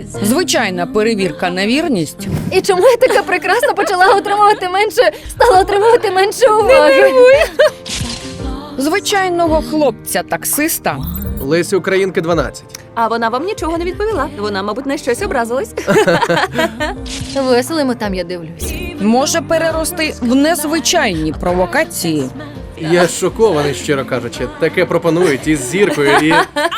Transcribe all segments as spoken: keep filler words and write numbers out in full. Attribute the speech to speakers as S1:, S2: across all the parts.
S1: Звичайна перевірка на вірність.
S2: І чому я така прекрасна почала отримувати менше, стала отримувати менше уваги?
S1: Звичайного хлопця-таксиста.
S3: Лесі Українки дванадцять.
S4: А вона вам нічого не відповіла. Вона, мабуть, на щось образилась.
S2: Веселимо там, я дивлюсь.
S1: Може перерости в незвичайні провокації.
S3: Я шокований, щиро кажучи. Таке пропонують із зіркою і...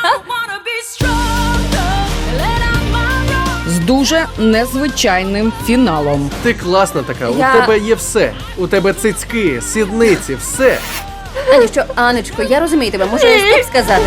S1: З дуже незвичайним фіналом.
S3: Ти класна така,
S4: Я-
S3: у тебе є все. У тебе цицьки, сідниці, все.
S2: Ані, що, Анечко, я розумію тебе, можу я стоп сказати?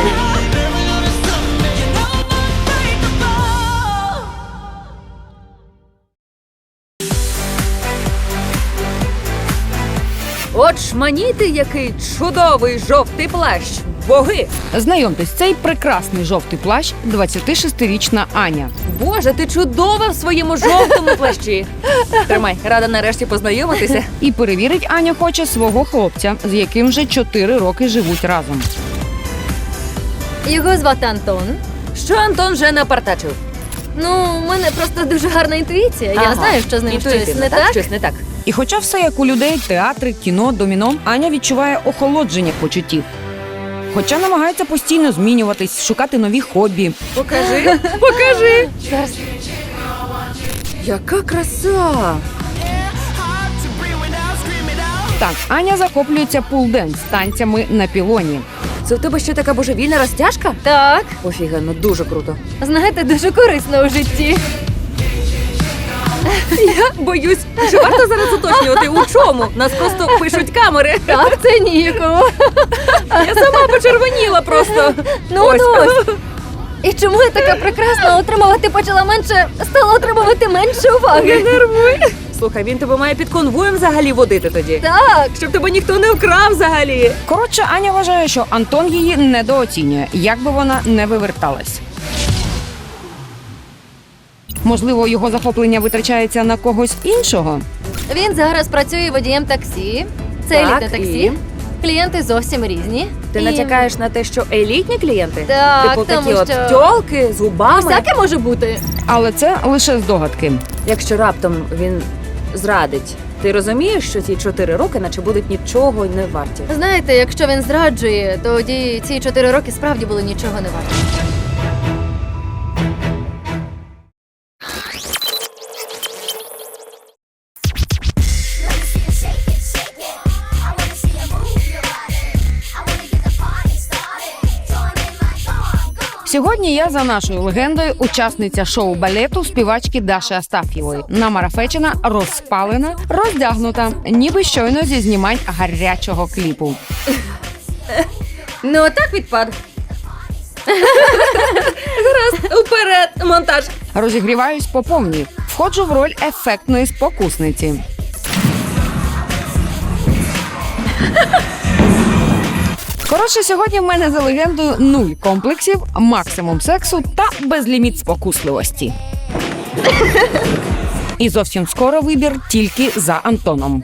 S4: От шманіти, який чудовий жовтий плащ. Боги!
S1: Знайомтесь, цей прекрасний жовтий плащ – двадцятишестирічна Аня.
S4: Боже, ти чудова в своєму жовтому плащі. Тримай, рада нарешті познайомитися.
S1: І перевірить Аня хоче свого хлопця, з яким вже чотири роки живуть разом.
S2: Його звати Антон.
S4: Що Антон вже напартачив?
S2: Ну, у мене просто дуже гарна інтуїція. Я
S4: Ага.
S2: знаю, що з ним щось
S4: Інтуїтивно,
S2: не так.
S4: Щось не так.
S1: І хоча все як у людей – театри, кіно, доміно, Аня відчуває охолодження почуттів. Хоча намагається постійно змінюватись, шукати нові хобі.
S4: Покажи, покажи.
S2: Зараз.
S4: Яка краса!
S1: Так, Аня захоплюється пул-денс – танцями на пілоні.
S4: Це в тебе ще така божевільна розтяжка?
S2: Так,
S4: Офігенно, дуже круто.
S2: знаєте, дуже корисно у житті.
S4: Я боюсь, що варто зараз уточнювати, у чому? Нас просто пишуть камери.
S2: Так, це ніяково.
S4: Я сама почервоніла просто.
S2: Ну,
S4: Ось.
S2: ну ось. І чому я така прекрасна отримувати почала менше, стала отримувати менше уваги?
S4: Нервуй. Слухай, він тебе має під конвоєм взагалі водити тоді.
S2: Так,
S4: Щоб тебе ніхто не вкрав взагалі.
S1: Коротше, Аня вважає, що Антон її недооцінює, як би вона не виверталась. Можливо, його захоплення витрачається на когось іншого?
S2: він зараз працює водієм таксі. Це
S4: Так,
S2: елітне таксі.
S4: і?
S2: Клієнти зовсім різні.
S4: Ти
S2: І-
S4: натякаєш на те, що елітні клієнти?
S2: Так,
S4: Типу
S2: тому
S4: такі от
S2: що-
S4: тьолки з губами.
S2: Всяке може бути.
S1: Але це лише здогадки.
S4: Якщо раптом він зрадить, ти розумієш, що ці чотири роки наче будуть нічого не варті?
S2: Знаєте, якщо він зраджує, тоді ці чотири роки справді були нічого не варті.
S1: Сьогодні я за нашою легендою учасниця шоу-балету співачки Даші Астаф'євої. Намарафечена, розпалена, роздягнута, ніби щойно зі знімань гарячого кліпу.
S2: Ну, так відпад.
S4: Уперед, монтаж!
S1: Розігріваюсь по повній. Входжу в роль ефектної спокусниці. Коротше, сьогодні в мене за легендою нуль комплексів, максимум сексу та безліміт спокусливості. І зовсім скоро вибір тільки за Антоном.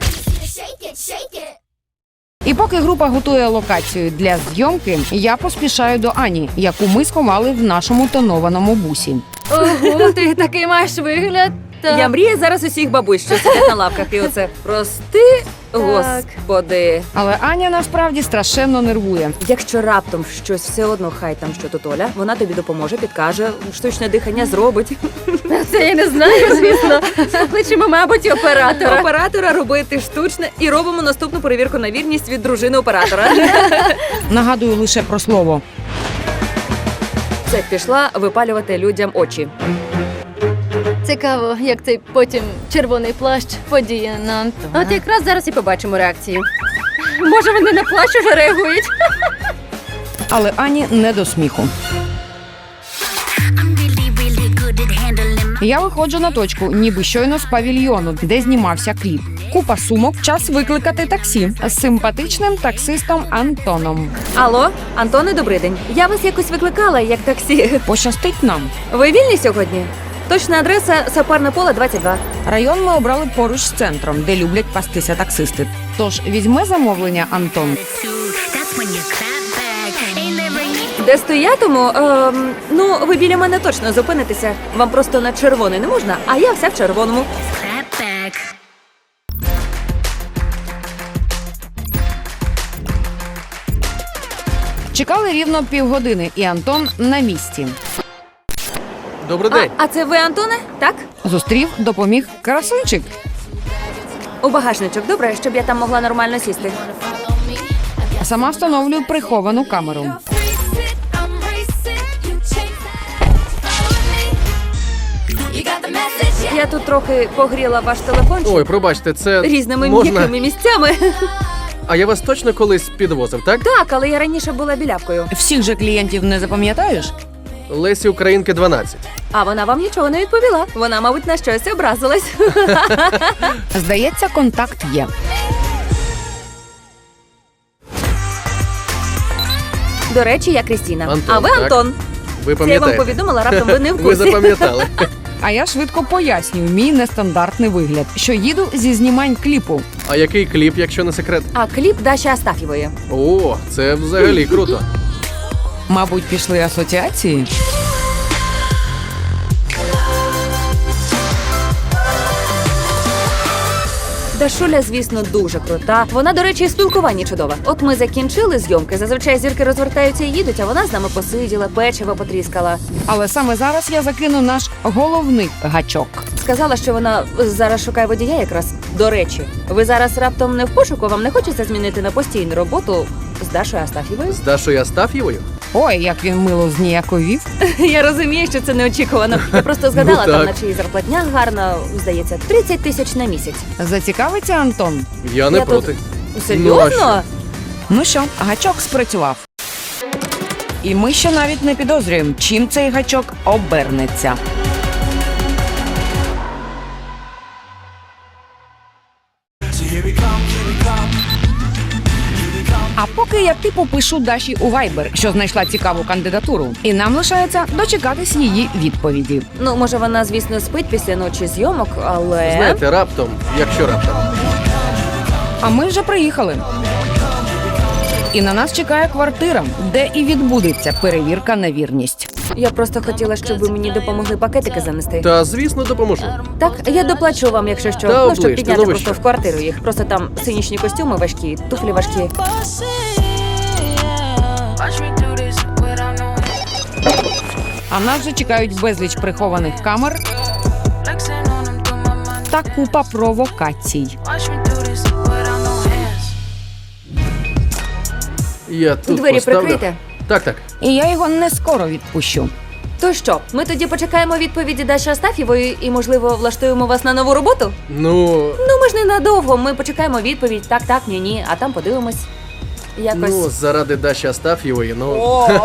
S1: І поки група готує локацію для зйомки, я поспішаю до Ані, яку ми сховали в нашому тонованому бусі.
S2: Ого, ти такий маєш вигляд. Так.
S4: Я мрію зараз усіх бабусь, що сидять на лавках, і оце прости, господи.
S1: Але Аня насправді страшенно нервує.
S4: Якщо раптом щось все одно, хай там що тут Оля, вона тобі допоможе, підкаже, штучне дихання зробить.
S2: Це я не знаю, звісно. Покличемо, мабуть, оператора.
S4: Оператора робити штучне і робимо наступну перевірку на вірність від дружини оператора.
S1: Нагадую лише про слово.
S4: Це пішла випалювати людям очі.
S2: Цікаво, як цей потім червоний плащ подіє на Антона. От якраз зараз і побачимо реакцію. Може, вони на плащ уже реагують?
S1: Але Ані не до сміху. Я виходжу на точку, ніби щойно з павільйону, де знімався кліп. Купа сумок, час викликати таксі з симпатичним таксистом Антоном.
S4: Алло, Антоне, добрий день. Я вас якось викликала, як таксі.
S1: Пощастить нам.
S4: Ви вільні сьогодні? Точна адреса Сапарне поле, двадцять два.
S1: Район ми обрали поруч з центром, де люблять пастися таксисти. Тож візьме замовлення Антон.
S5: That's when you clap back. Ain't never
S4: Де стоятиму? Ем, ну, ви біля мене точно зупинитеся. Вам просто на червоний не можна, а я вся в червоному.
S1: Чекали рівно півгодини, і Антон на місці.
S3: Добрий
S4: А,
S3: день.
S4: а це ви, Антоне? Так?
S1: Зустрів, допоміг красунчик.
S4: У багажничок, добре, щоб я там могла нормально сісти.
S1: Сама встановлюю приховану камеру.
S4: Я тут трохи погріла ваш телефончик
S3: Ой, пробачте, це
S4: різними
S3: можна...
S4: м'якими місцями.
S3: А я вас точно колись підвозив, так?
S4: Так, але я раніше була білявкою.
S1: Всіх же клієнтів не запам'ятаєш?
S3: Лесі Українки дванадцять.
S4: А вона вам нічого не відповіла. Вона, мабуть, на щось образилась.
S1: Здається, контакт є.
S4: До речі, я Крістіна.
S3: Антон,
S4: а ви
S3: так.
S4: Антон.
S3: Ви
S4: Це я вам
S3: пам'ятаєте?
S4: повідомила, раптом ви не в
S3: Ви
S4: курсі.
S3: запам'ятали.
S1: А я швидко пояснюю мій нестандартний вигляд, що їду зі знімань кліпу.
S3: А який кліп, якщо не секрет?
S4: А кліп Даші Астафєвої.
S3: О, це взагалі круто.
S1: Мабуть, пішли асоціації.
S4: Дашуля, звісно, дуже крута. Вона, до речі, і в спілкуванні чудова. От ми закінчили зйомки. Зазвичай зірки розвертаються і їдуть, а вона з нами посиділа, печиво потріскала.
S1: Але саме зараз я закину наш головний гачок.
S4: Сказала, що вона зараз шукає водія якраз. До речі, ви зараз раптом не в пошуку, вам не хочеться змінити на постійну роботу з Дашою Астафєвою?
S3: З Дашою Астаф'євою?
S1: Ой, як він мило зніяковів.
S4: Я розумію, що це неочікувано. Я просто згадала,
S3: Ну,
S4: там
S3: так.
S4: наче і зарплатня гарна, здається, тридцять тисяч на місяць.
S1: Зацікавиться Антон?
S3: Я не
S4: Я тут-
S3: проти.
S4: Серйозно?
S1: Ну що, гачок спрацював. І ми ще навіть не підозрюємо, чим цей гачок обернеться. А поки я типу пишу Даші у Viber, що знайшла цікаву кандидатуру, і нам лишається дочекатись її відповіді.
S4: Ну, може, вона, звісно, спить після ночі зйомок, але...
S3: Знаєте, раптом, якщо раптом.
S1: А ми вже приїхали. І на нас чекає квартира, де і відбудеться перевірка на вірність.
S4: Я просто хотіла, щоб ви мені допомогли пакетики занести.
S3: Та, звісно, допоможу.
S4: Так, я доплачу вам, якщо що.
S3: Та
S4: ну, щоб
S3: оближте,
S4: підняти
S3: ну ви
S4: просто
S3: що?
S4: в квартиру їх. Просто там синічні костюми важкі, туфлі важкі.
S1: А нас вже чекають безліч прихованих камер та купа провокацій.
S3: Я тут
S4: Двері
S3: поставлю.
S4: прикрийте.
S3: Так, так.
S1: І я його не скоро відпущу.
S4: То що, ми тоді почекаємо відповіді Даші Астафєвої і, можливо, влаштуємо вас на нову роботу?
S3: Ну,
S4: Ну, ми ж не надовго, ми почекаємо відповідь, так, так, ні, ні, а там подивимось. Якось.
S3: ну, заради Даші Астаф'євої, ну...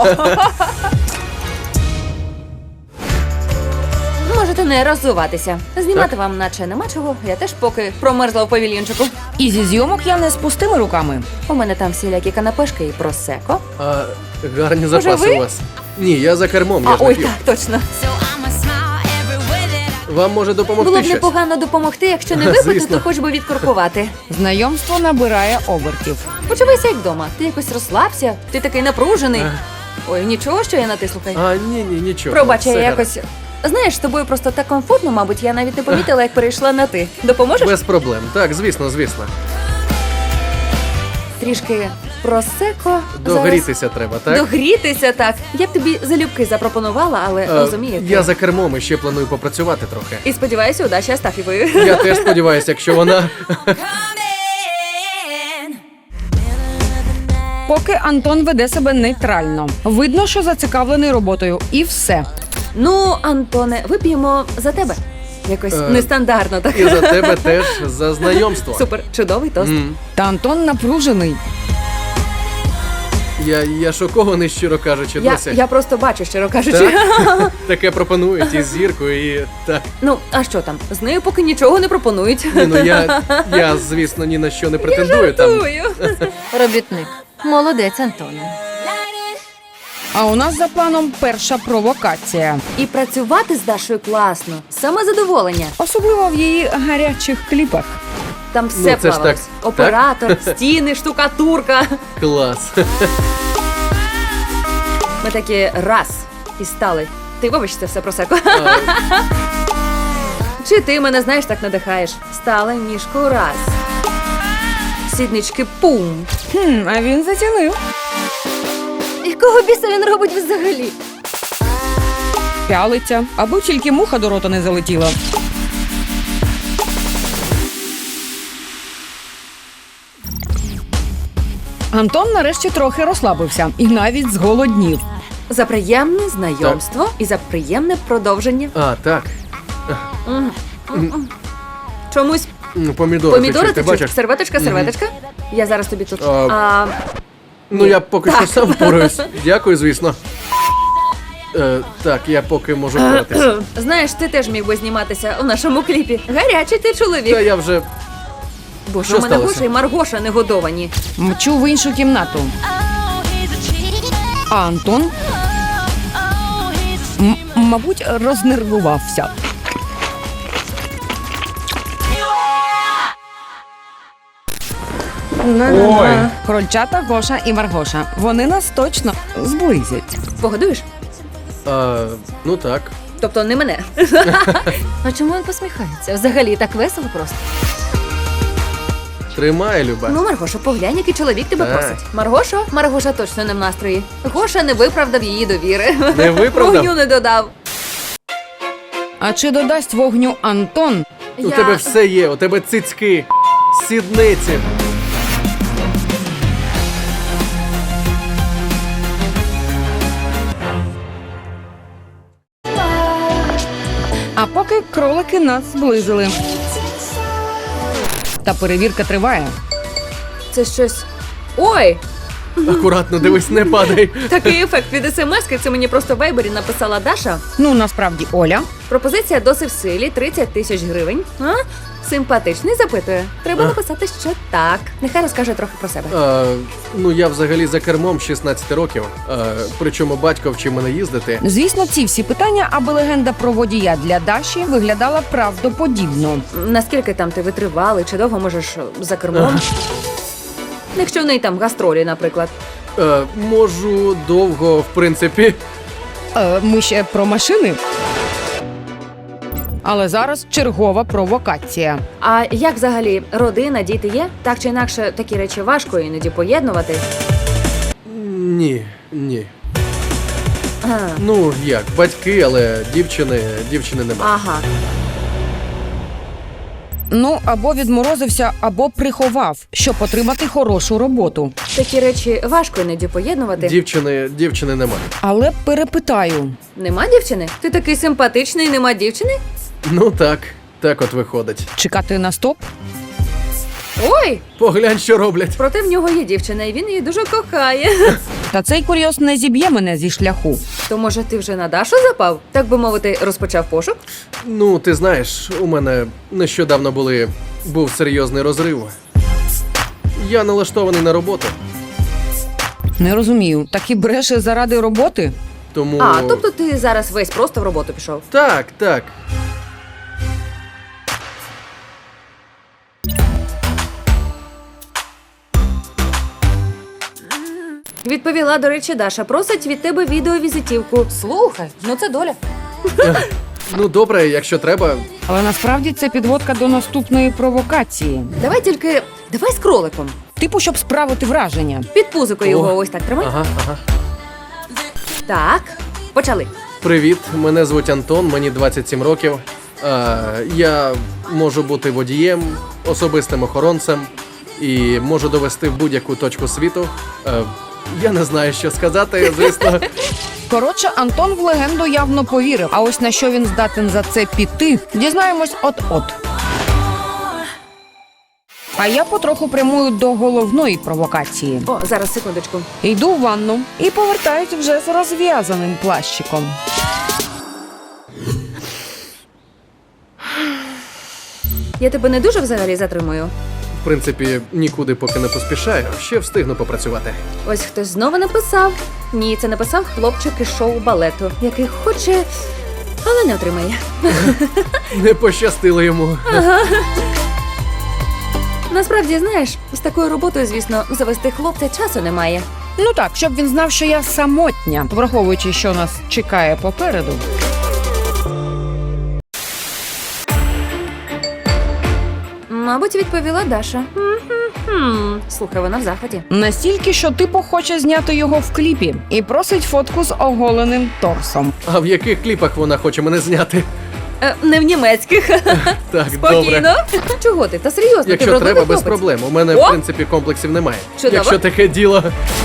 S4: Можете не роззуватися. Знімати вам наче нема чого. Я теж поки промерзла в павільйончику.
S1: І зі зйомок я не з пустими руками.
S4: У мене там всілякі канапешки і просеко.
S3: А гарні запаси
S4: ви?
S3: у вас. Ні, я за кермом, я
S4: А
S3: ж не
S4: ой,
S3: п'ю.
S4: так, точно.
S3: Вам може допомогти
S4: Було б
S3: щось?
S4: непогано допомогти, якщо не випити,
S3: Звісно.
S4: то хоч би відкуркувати.
S1: Знайомство набирає обертів.
S4: Почувайся як вдома. Ти якось розслабся, ти такий напружений. Ой, нічого, що я на ти слухай.
S3: А, ні, ні, нічого.
S4: Пробач, я
S3: все
S4: якось. Знаєш, з тобою просто так комфортно, мабуть, я навіть не помітила, як перейшла на ти. Допоможеш?
S3: Без проблем. Так, звісно, звісно.
S4: Трішки просеко. зараз.
S3: Догрітися треба, так?
S4: Догрітися, так. Я б тобі залюбки запропонувала, але
S3: Е,
S4: розумієте.
S3: Я за кермом і ще планую попрацювати трохи.
S4: І сподіваюся, у Даші Астафєвої.
S3: Я теж сподіваюся, якщо вона...
S1: Поки Антон веде себе нейтрально. Видно, що зацікавлений роботою. І все.
S4: Ну, Антоне, вип'ємо за тебе. Якось
S3: Е,
S4: нестандартно так.
S3: І за тебе теж за знайомство.
S4: Супер, чудовий тост.
S3: М.
S1: Та Антон напружений.
S3: Я, я шокований, щиро кажучи,
S4: Я,
S3: досі.
S4: я просто бачу, щиро кажучи.
S3: Так? Таке пропонують із зіркою і так.
S4: Ну, а що там? З нею поки нічого не пропонують.
S3: Ні, ну я, я, звісно, ні на що не претендую там.
S4: Жартую.
S2: Робітник. Молодець, Антоне.
S1: А у нас за планом перша провокація.
S4: І працювати з Дашою класно. Саме задоволення.
S1: Особливо в її гарячих кліпах.
S4: Там все
S3: Ну, це ж
S4: плавалось.
S3: так.
S4: Оператор, стіни, штукатурка.
S3: Клас.
S4: Ми такі раз і стали. Ти вибач, це все просеко.
S3: А,
S4: Чи ти мене, знаєш, так надихаєш? Стали ніжку раз. Сіднички пум.
S1: Хм, а він зацінив.
S2: Якого біса він робить взагалі?
S1: Пялиться, аби тільки муха до рота не залетіла. Антон нарешті трохи розслабився і навіть зголоднів.
S4: За приємне знайомство і за приємне продовження.
S3: а, так.
S4: Чомусь
S3: Ну, помідори,
S4: помідори
S3: ти, ти
S4: ти
S3: бачиш?
S4: серветочка, серветочка. Я зараз тобі тут.
S3: А,
S4: А,
S3: Ну, я поки що сам впораюсь. Дякую, звісно. Е, так, я поки можу впоратися.
S4: знаєш, ти теж міг би зніматися у нашому кліпі. Гарячий ти
S3: Та
S4: чоловік.
S3: я вже.
S4: Бо
S3: що
S4: ж у мене
S3: сталося?
S4: Гоша і Маргоша не годовані.
S1: Мчу в іншу кімнату. А Антон, м- мабуть, рознервувався.
S3: Ой.
S1: Крольчата Гоша і Маргоша. Вони нас точно зблизять.
S4: Погодуєш?
S3: А, ну так.
S4: Тобто не мене.
S2: А чому він посміхається? Взагалі так весело просто.
S3: Тримай, Люба.
S4: Ну, Маргоша, поглянь, який чоловік тебе
S3: Так.
S4: просить. Маргошо? Маргоша точно не в настрої. Гоша не виправдав її довіри.
S3: Не виправдав?
S4: Вогню не додав.
S1: А чи додасть вогню Антон?
S3: У
S4: Я-
S3: тебе все є, у тебе цицьки, сідниці.
S1: А поки кролики нас зблизили. Та перевірка триває.
S4: Це щось. Ой!
S3: Акуратно, дивись, не падай.
S4: Такий ефект від смс-ки, це мені просто в вайбері написала Даша.
S1: Ну, насправді, Оля.
S4: Пропозиція досить в силі, тридцять тисяч гривень. А? Симпатичний, запитує. Треба
S3: А.
S4: написати, що так. Нехай розкаже трохи про себе.
S3: А, ну, я взагалі за кермом з шістнадцяти років. А, причому батько вчив мене їздити.
S1: Звісно, ці всі питання, аби легенда про водія для Даші виглядала правдоподібно.
S4: Наскільки там ти витривалий, чи довго можеш за кермом? Якщо в неї там гастролі, наприклад.
S3: А, можу довго, в принципі.
S1: Е, ми ще про машини. Але зараз чергова провокація.
S4: А як взагалі родина, діти є? Так чи інакше, такі речі важко іноді поєднувати.
S3: Ні, ні.
S4: А,
S3: Ну, як, батьки, але дівчини, дівчини немає.
S4: ага.
S1: Ну, або відморозився, або приховав, щоб отримати хорошу роботу.
S4: Такі речі важко іноді поєднувати.
S3: Дівчини, дівчини немає.
S1: Але перепитаю.
S4: Нема дівчини? Ти такий симпатичний, нема дівчини?
S3: Ну так, так от виходить.
S1: Чекати на стоп?
S4: Ой!
S3: Поглянь, що роблять.
S4: Проте в нього є дівчина, і він її дуже кохає.
S1: Та цей курйоз не зіб'є мене зі шляху.
S4: То може ти вже на Дашу запав? Так би мовити, розпочав пошук?
S3: Ну, ти знаєш, у мене нещодавно були був серйозний розрив. Я налаштований на роботу,
S1: Не розумію, так і бреше заради роботи?
S3: тому.
S4: А, тобто ти зараз весь просто в роботу пішов.
S3: Так, так.
S4: Відповіла, до речі, Даша. Просить від тебе відеовізитівку. Слухай, ну це доля.
S3: Ну, добре, якщо треба.
S1: Але насправді це підводка до наступної провокації.
S4: Давай тільки. Давай з кроликом.
S1: Типу, щоб справити враження.
S4: Під пузикою
S3: О.
S4: його ось так тримай.
S3: Ага, ага.
S4: Так, почали.
S3: Привіт, мене звуть Антон, мені двадцять сім років. А, я можу бути водієм, особистим охоронцем і можу довести в будь-яку точку світу. А, я не знаю, що сказати, звісно.
S1: Коротше, Антон в легенду явно повірив. А ось на що він здатен за це піти, дізнаємось от-от. А я потроху прямую до головної провокації.
S4: О, зараз секундочку.
S1: Йду в ванну і повертаюсь вже з розв'язаним плащиком.
S4: Я тебе не дуже взагалі затримую.
S3: В принципі, нікуди поки не поспішаю, ще встигну попрацювати.
S4: Ось хтось знову написав. Ні, це написав хлопчик із шоу балету, який хоче, але не отримає.
S3: Не пощастило йому.
S4: Насправді, знаєш, з такою роботою, звісно, завести хлопця часу немає.
S1: Ну так, щоб він знав, що я самотня, враховуючи, що нас чекає попереду.
S4: Мабуть, відповіла Даша. М-м-м. Слухай, вона в захваті.
S1: Настільки, що типу хоче зняти його в кліпі і просить фотку з оголеним торсом.
S3: А в яких кліпах вона хоче мене зняти?
S4: Е, не в німецьких.
S3: Так, добре.
S4: Спокійно. Чого ти? Та серйозно, ти
S3: Якщо
S4: вродливий
S3: треба, без
S4: хлопець.
S3: проблем. У мене,
S4: О!
S3: в принципі, комплексів немає.
S4: Чудово.
S3: Якщо таке діло.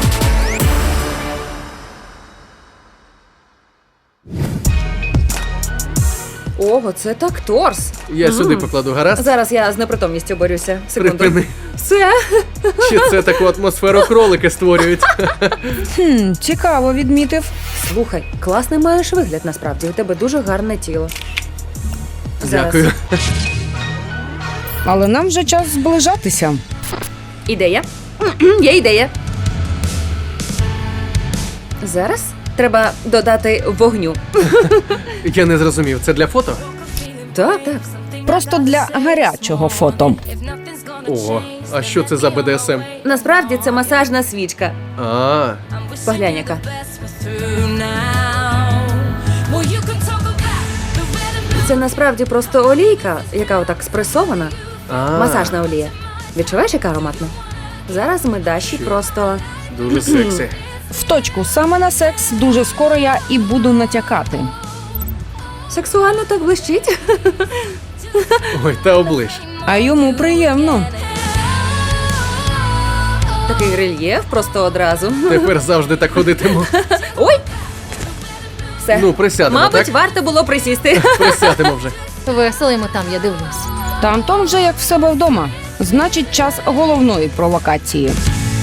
S4: Ого, це так торс.
S3: Я
S4: М.
S3: сюди покладу, гаразд?
S4: Зараз я з непритомністю борюся. Секунду.
S3: Припини.
S4: Все.
S3: Чи це таку атмосферу кролики створюють?
S1: Хм, цікаво відмітив.
S4: Слухай, класний маєш вигляд насправді. У тебе дуже гарне тіло. Зараз.
S3: Дякую.
S1: Але нам вже час зближатися.
S4: Ідея. М-м, Є ідея. Зараз треба додати вогню.
S3: Я не зрозумів, це для фото?
S4: Так, так.
S1: Просто для гарячого фото.
S3: Ого, а що це за бе де ес ем?
S4: Насправді це масажна свічка.
S3: А,
S4: Поглянь, яка. Це насправді просто олійка, яка отак спресована.
S3: а,
S4: Масажна олія. Відчуваєш, яка ароматна? Зараз ми Даші просто.
S3: дуже сексі.
S1: В точку, саме на секс дуже скоро я і буду натякати.
S4: Сексуально так блищить.
S3: Ой, та оближ.
S1: А йому приємно.
S4: Такий рельєф просто одразу.
S3: Тепер завжди так ходитиму.
S4: Ой! Все.
S3: Ну, присядемо,
S4: Мабуть,
S3: так?
S4: варто було присісти.
S3: Присядемо вже.
S2: Весело йому там, я дивлюсь.
S1: Та Антон вже як в себе вдома. Значить, час головної провокації.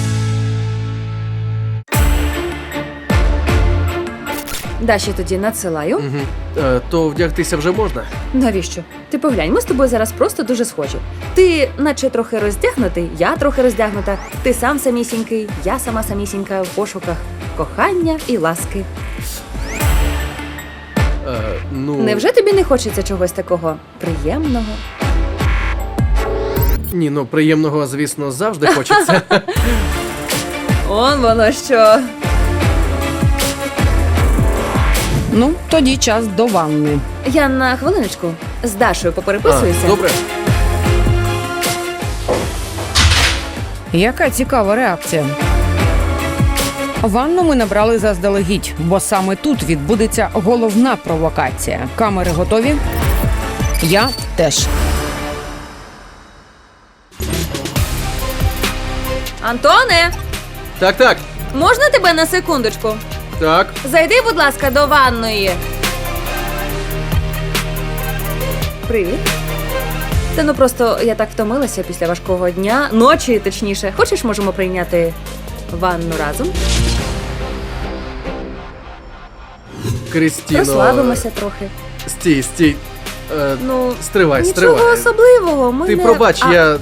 S4: Даші тоді надсилаю.
S3: Угу. Е, то вдягтися вже можна?
S4: Навіщо? Ти поглянь, ми з тобою зараз просто дуже схожі. Ти наче трохи роздягнутий, я трохи роздягнута. Ти сам самісінький, я сама самісінька в пошуках кохання і ласки.
S3: Е, ну,
S4: Невже тобі не хочеться чогось такого приємного?
S3: Ні, ну приємного, звісно, завжди хочеться.
S4: Он воно що.
S1: Ну, тоді час до ванни.
S4: Я на хвилиночку з Дашою попереписуюся.
S3: А, добре.
S1: Яка цікава реакція. Ванну ми набрали заздалегідь, бо саме тут відбудеться головна провокація. Камери готові? Я теж.
S4: Антоне,
S3: Так, так,
S4: можна тебе на секундочку?
S3: так.
S4: Зайди, будь ласка, до ванної. Привіт. Та ну просто я так втомилася після важкого дня, ночі, точніше. Хочеш, можемо прийняти ванну разом?
S3: Крістіно.
S4: Розслабимося трохи.
S3: Стій, стій. Е,
S4: Ну,
S3: стривай,
S4: нічого
S3: стривай.
S4: особливого. Ми
S3: Ти
S4: не...
S3: пробач,
S4: А,
S3: я.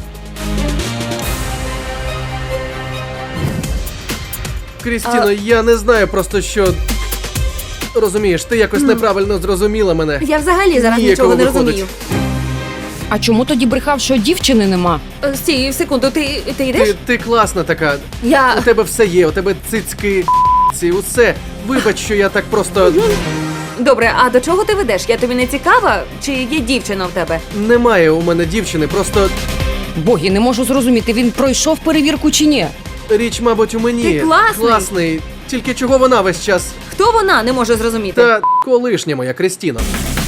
S3: Крістіно, я не знаю просто що. Розумієш, ти якось неправильно зрозуміла мене.
S4: Я взагалі зараз
S3: Ніякого
S4: нічого не
S3: виходить.
S4: розумію.
S1: А чому тоді брехав, що дівчини нема?
S4: Е, Стій, секунду, ти, ти йдеш?
S3: Ти, ти класна така.
S4: Я...
S3: У тебе все є, у тебе цицьки, ці, усе. Вибач, що я так просто.
S4: Добре, а до чого ти ведеш? Я тобі не цікава? Чи є дівчина в тебе?
S3: Немає у мене дівчини, просто
S1: Боги, не можу зрозуміти, він пройшов перевірку чи ні.
S3: річ, мабуть, у мені.
S4: Ти класний.
S3: Класний. Тільки чого вона весь час.
S4: Хто вона, не може зрозуміти.
S3: Та колишня моя Крістіна.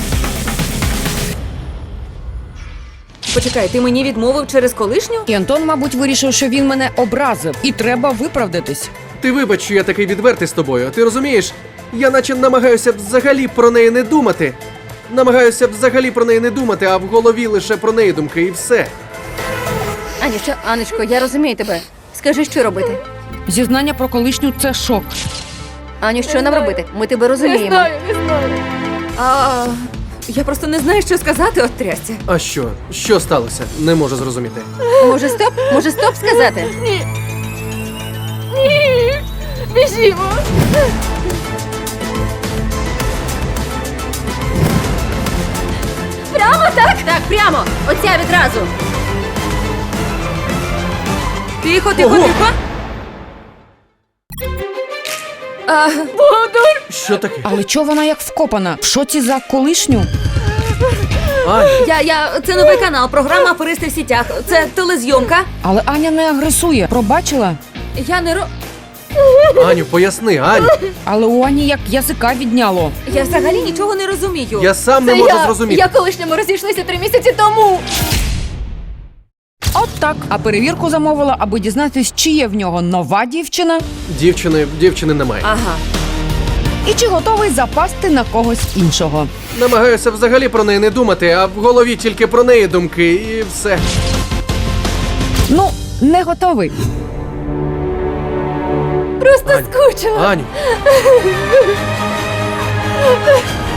S4: Почекай, ти мені відмовив через колишню?
S1: І Антон, мабуть, вирішив, що він мене образив, і треба виправдатись.
S3: Ти вибач, що я такий відвертий з тобою. Ти розумієш? Я наче намагаюся взагалі про неї не думати. Намагаюся взагалі про неї не думати, а в голові лише про неї думки і все.
S2: Анічко, Анечко, я розумію тебе. Скажи, що робити?
S1: Зізнання про колишню – це шок.
S2: Аню, що нам робити? Ми тебе розуміємо.
S4: не знаю. А, я просто не знаю, що сказати, от трясця.
S3: А що? Що сталося? Не можу зрозуміти.
S2: Може, стоп? Може, стоп сказати? Ні. Ні. Біжімо. Прямо так? Так, прямо. Оця відразу.
S4: Тихо, тихо,
S3: Ого!
S4: тихо. А,
S3: Що таке?
S1: Але чого вона як вкопана? В шоці за колишню?
S3: Аню,
S4: я, я, це новий канал, програма «Аферисти в сітях». Це телезйомка.
S1: Але Аня не агресує. Пробачила?
S4: Я не ро...
S3: Аню, поясни, Аню.
S1: Але у Ані як язика відняло.
S4: Я взагалі нічого не розумію.
S3: Я сам не
S2: Це
S3: можу
S2: я,
S3: зрозуміти.
S2: я колишньому розійшлися три місяці тому.
S1: От так. А перевірку замовила, аби дізнатись, чи є в нього нова дівчина
S3: Дівчини, дівчини немає.
S4: Ага.
S1: і чи готовий запасти на когось іншого.
S3: Намагаюся взагалі про неї не думати, а в голові тільки про неї думки і все.
S1: Ну, не готовий.
S2: Просто
S3: Ань.
S2: скучила.
S3: Аню.